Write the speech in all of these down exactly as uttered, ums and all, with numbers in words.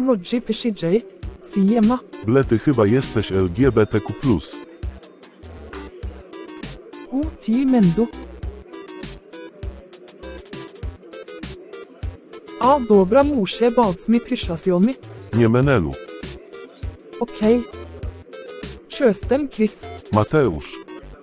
Rodzi pisze J. Siema. Ble, ty chyba jesteś L G B T Q plus. U, ti Mendo. A, dobra, muszę bać mi przyszłości. Nie Menelu. Okej. Jestem Chris. Mateusz.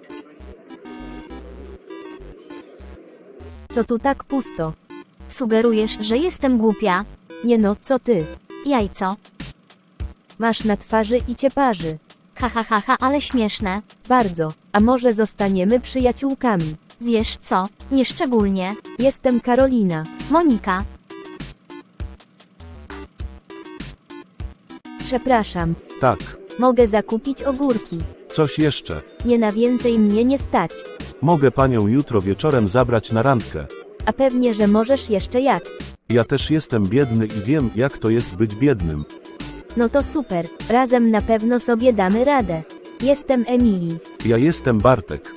Co tu tak pusto? Sugerujesz, że jestem głupia? Nie no, co ty? Jajco. Masz na twarzy i cię parzy. Ha ha ha ha, ale śmieszne. Bardzo. A może zostaniemy przyjaciółkami? Wiesz co? Nieszczególnie. Jestem Karolina. Monika. Przepraszam. Tak. Mogę zakupić ogórki. Coś jeszcze. Nie na więcej mnie nie stać. Mogę panią jutro wieczorem zabrać na randkę. A pewnie, że możesz jeszcze jak. Ja też jestem biedny i wiem, jak to jest być biednym. No to super. Razem na pewno sobie damy radę. Jestem Emilii. Ja jestem Bartek.